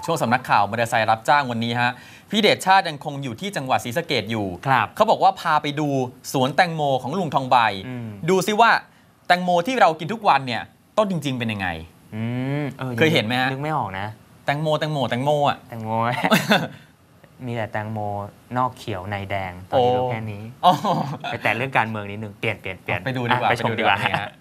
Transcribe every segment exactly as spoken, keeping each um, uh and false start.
ช่วงสำนักข่าวมอเตอร์ไซค์รับจ้างวันนี้ฮะพี่เดชชาติยังคงอยู่ที่จังหวัดศรีสะเกษอยู่เขาบอกว่าพาไปดูสวนแตงโมของลุงทองใบดูซิว่าแตงโมที่เรากินทุกวันเนี่ยต้นจริงๆเป็นยังไงเคยเห็นไหมฮะนึกไม่ออกนะแตงโมแตงโมแตงโมอ่ะแตงโมมีแต่แตงโมนอกเขียวในแดงตอนนี้รู้แค่นี้ไปแต่เรื่องการเมืองนิดนึงเปลี่ยนเปลี่ยนเปลี่ยนไปดูดีกว่าไปชมดีกว่า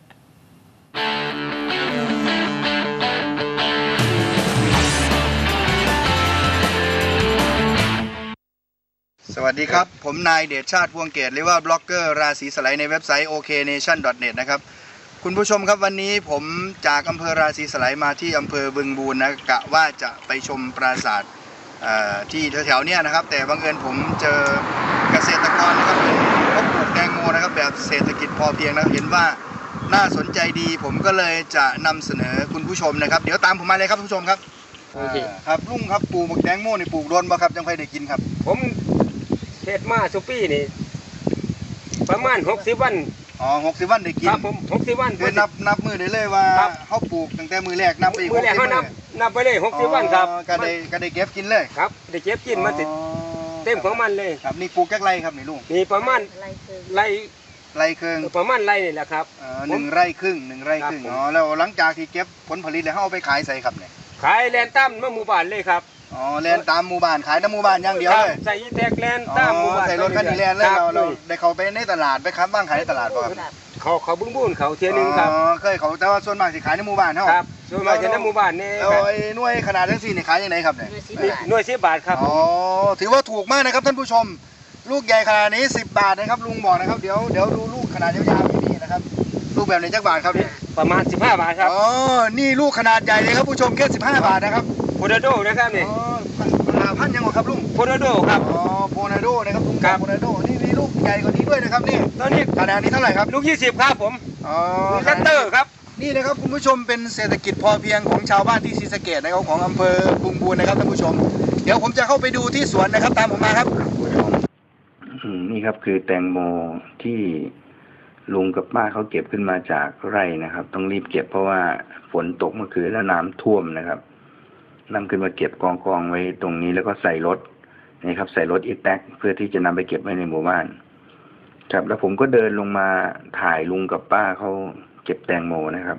สวัสดีครับผมนายเดชชาติพวงเกตหรือว่าบล็อกเกอร์ราศีสไลด์ในเว็บไซต์ โอ เค เนชั่น ดอท เน็ต นะครับคุณผู้ชมครับวันนี้ผมจากอำเภอราศีสไลด์มาที่อำเภอบึงบูรนะกะว่าจะไปชมปราสาทที่แถวๆนี้นะครับแต่บังเอิญผมเจอเกษตรกรนะครับเขาปลูกแตงโมนะครับแบบเศรษฐกิจพอเพียงนะเห็นว่าน่าสนใจดีผมก็เลยจะนำเสนอคุณผู้ชมนะครับเดี๋ยวตามผมมาเลยครับผู้ชมครับครับลุงครับปลูกแตงโมนี่ปลูกโดนบ่ครับจังค่อยได้กินครับผมเทศมาสุปี้นี่ประมาณหกสิบวันอ๋อหกสิบวันได้กินครับผมหกสิบวันคือนับนับมือได้เลยว่าเขาปลูกตั้งแต่มือแรกนับไปอีกมือแรกเขานับนับไปเลยหกสิบวันครับก็ได้ก็ได้เก็บกินเลยครับได้เก็บกินมาติดเต็มของมันเลยครับนี่ปลูกแค่ไรครับนี่ลุงนี่ประมาณไรไรครึ่งประมาณไรนี่แหละครับหนึ่งไร่ครึ่งหนึ่งไร่ครึ่งอ๋อแล้วหลังจากที่เก็บผลผลิตแล้วเขาเอาไปขายใส่ครับเนี่ยขายแลนตั้มมาหมู่บ้านเลยครับอ๋อแลนตามหมู่บ้านขายน้ำหมู่บ้านอย่างเดียวเลยใส่แท็กแลนตามหมู่บ้านใส่รถคันนี้แลนเลยเราเราได้เขาไปในตลาดไปค้าบ้างขายในตลาดป่ะครับเขาเขาบึ้งบุ้นเขาเทียนึงครับอ๋อเคยเขาแต่ว่าส่วนมากสิขายในหมู่บ้านเท่าครับส่วนมากจะในหมู่บ้านนี่แล้วไอ้หน่วยขนาดทั้งสี่นี่ขายยังไงครับเนี่ยหน่วยสิบบาทครับอ๋อถือว่าถูกมากนะครับท่านผู้ชมลูกใหญ่ขนาดนี้สิบบาทนะครับลุงบอกนะครับเดี๋ยวเดี๋ยวดูลูกขนาดยาวๆนี่นะครับลูกแบบไหนจักบาทครับเนี่ยประมาณสิบห้าบาทครับอ๋อนี่ลูกขนาดใหญ่เลยครับผู้ชมแค่สิบห้าบาทนะครับโพนาโดนะครับนี่พันยังไงครับลุงโพนาโดครับอ๋อโพนาโดนะครับลุงโพนาโดนี่มีลูกใหญ่กว่านี้ด้วยนะครับนี่ตอนนี้ขนาดนี้เท่าไหร่ครับลูกยี่สิบครับผมอ๋อคัตเตอร์ครับนี่นะครับคุณผู้ชมเป็นเศรษฐกิจพอเพียงของชาวบ้านที่ศรีสะเกษนะครับของอำเภอบึงบูรนะครับท่านผู้ชมเดี๋ยวผมจะเข้าไปดูที่สวนนะครับตามผมมาครับนี่ครับคือแตงโมที่ลุงกับป้าเขาเก็บขึ้นมาจากไร่นะครับต้องรีบเก็บเพราะว่าฝนตกเมื่อคืนแล้วน้ำท่วมนะครับนำขึ้นมาเก็บกองกองไว้ตรงนี้แล้วก็ใส่รถนี่ครับใส่รถอีแท็กเพื่อที่จะนำไปเก็บไว้ในหมู่บ้านครับแล้วผมก็เดินลงมาถ่ายลุงกับป้าเขาเก็บแตงโมนะครับ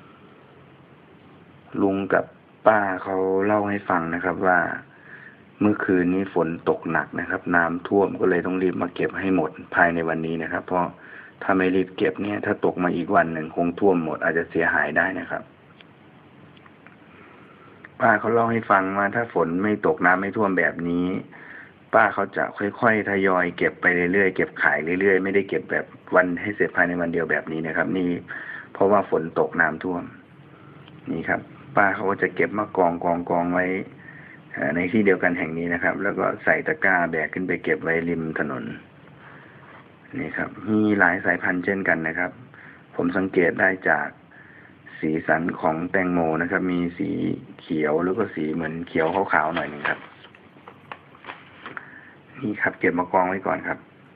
ลุงกับป้าเขาเล่าให้ฟังนะครับว่าเมื่อคืนนี้ฝนตกหนักนะครับน้ำท่วมก็เลยต้องรีบมาเก็บให้หมดภายในวันนี้นะครับเพราะถ้าไม่รีบเก็บเนี่ยถ้าตกมาอีกวันหนึ่งคงท่วมหมดอาจจะเสียหายได้นะครับป้าเขาเล่าให้ฟังว่าถ้าฝนไม่ตกน้ำไม่ท่วมแบบนี้ป้าเขาจะค่อยๆทยอยเก็บไปเรื่อยๆเก็บขายเรื่อยๆไม่ได้เก็บแบบวันให้เสร็จภายในวันเดียวแบบนี้นะครับนี่เพราะว่าฝนตกน้ำท่วมนี่ครับป้าเขาก็จะเก็บมากองกองกองไว้ในที่เดียวกันแห่งนี้นะครับแล้วก็ใส่ตะกร้าแบกขึ้นไปเก็บไว้ริมถนนนี่ครับมีหลายสายพันธุ์เช่นกันนะครับผมสังเกตได้จากสีสันของแตงโมนะครับมีสีเขียวแล้วก็สีเหมือนเขียวขาวๆหน่อยนึงครับนี่ครับเก็บมากองไว้ก่อนครับ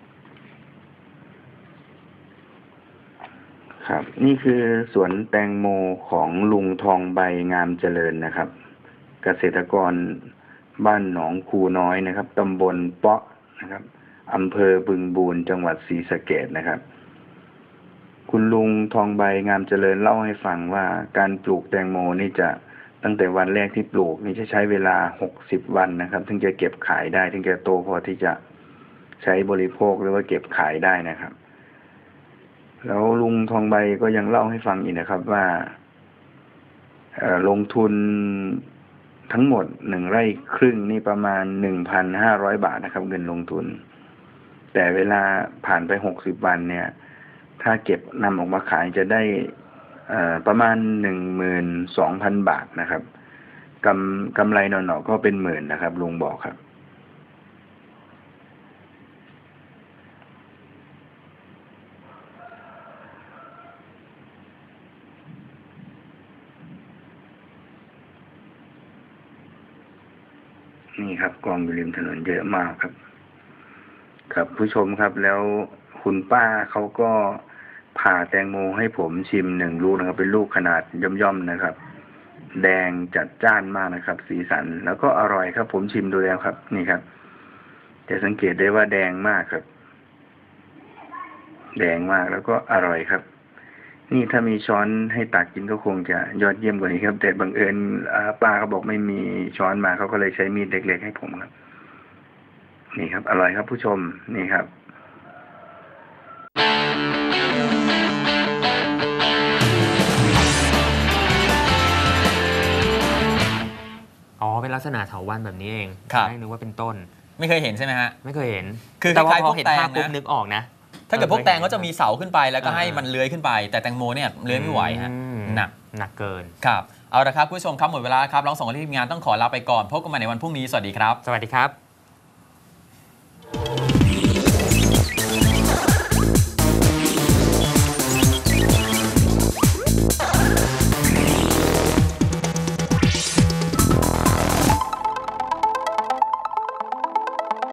ครับนี่คือสวนแตงโมของลุงทองใบงามเจริญนะครับเกษตรกรบ้านหนองคูน้อยนะครับตำบลเปาะนะครับอำเภอบึงบูรจังหวัดศรีสะเกษนะครับคุณลุงทองใบงามเจริญเล่าให้ฟังว่าการปลูกแตงโมนี่จะตั้งแต่วันแรกที่ปลูกนี่จะใช้เวลาหกสิบวันนะครับถึงจะเก็บขายได้ถึงจะโตพอที่จะใช้บริโภคหรือว่าเก็บขายได้นะครับแล้วลุงทองใบก็ยังเล่าให้ฟังอีกนะครับว่าลงทุนทั้งหมดหนึ่งไร่ครึ่งนี่ประมาณ หนึ่งพันห้าร้อย บาทนะครับเงินลงทุนแต่เวลาผ่านไปหกสิบวันเนี่ยถ้าเก็บนำออกมาขายจะได้ประมาณ หนึ่งหมื่นสองพัน บาทนะครับกำกำไรหน่อๆก็เป็นหมื่นนะครับลุงบอกครับนี่ครับกองอยู่ริมถนนเยอะมากครับครับผู้ชมครับแล้วคุณป้าเขาก็ผ่าแตงโมให้ผมชิมหนึ่งลูกนะครับเป็นลูกขนาดย่อมๆนะครับแดงจัดจ้านมากนะครับ สีสันแล้วก็อร่อยครับ ผมชิมดูแล้วครับ นี่ครับจะสังเกตได้ว่าแดงมากครับ แดงมากแล้วก็อร่อยครับ นี่ถ้ามีช้อนให้ตักกินก็คงจะยอดเยี่ยมกว่านี้ครับ แต่บังเอิญป้าเขาบอกไม่มีช้อนมาเขาก็เลยใช้มีดเล็กๆให้ผมครับ นี่ครับ อร่อยครับผู้ชมนี่ครับอ๋อเป็นลักษณะเถาวัลย์แบบนี้เองครับไม่นึกว่าเป็นต้นไม่เคยเห็นใช่ไหมฮะไม่เคยเห็นคือแต่ว่าคล้ายๆพอพวกเห็นแตงภาพปุ๊บนะนึกออกนะถ้าเกิดพวกแตงก็จะมีเสาขึ้นไปแล้วก็ให้อ่ามัมันเลื้อยขึ้นไป แต่แตงโมเนี่ยเลื้อยไม่ไหวฮะอืมหนักหนักเกินครับเอาละครับคุณผู้ชมครับหมดเวลาครับเราสองคนที่ทีมงานต้องขอลาไปก่อนพบกันใหม่ในวันพรุ่งนี้สวัสดีครับสวัสดีครับ